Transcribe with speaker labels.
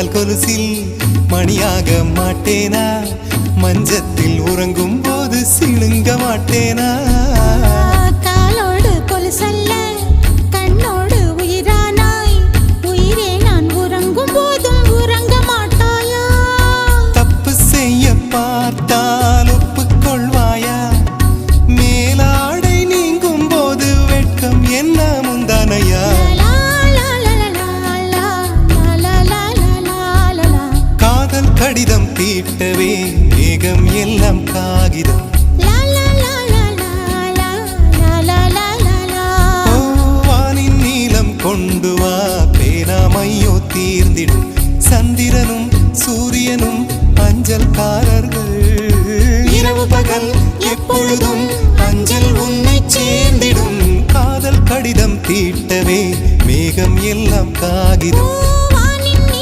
Speaker 1: கால் கொலுசில் மணியாக மாட்டேனா மஞ்சத்தில் உறங்கும் போது சிணுங்க மாட்டேனா
Speaker 2: காலோடு கொலுசல்ல கண்ணோடு உயிரானாய் உயிரே நான் உறங்கும் போதும் உறங்க மாட்டாயா
Speaker 1: தப்பு செய்ய பார்த்தால் ஒப்புக்கொள்வாயா மேலாடை நீங்கும் போது வெட்கம் என்ன முந்தானையா காதல் கடிதம் தீட்டவே மேகம் எல்லாம் காகிதம் வானின் நீளம் கொண்டு வா பேராமையோ தீர்ந்திடும் சந்திரனும் சூரியனும் அஞ்சல்காரர்கள் இரவு பகல் எப்பொழுதும் அஞ்சல் உன்னை சேர்ந்திடும் காதல் கடிதம் தீட்டவே மேகம் எல்லாம் காகிதம்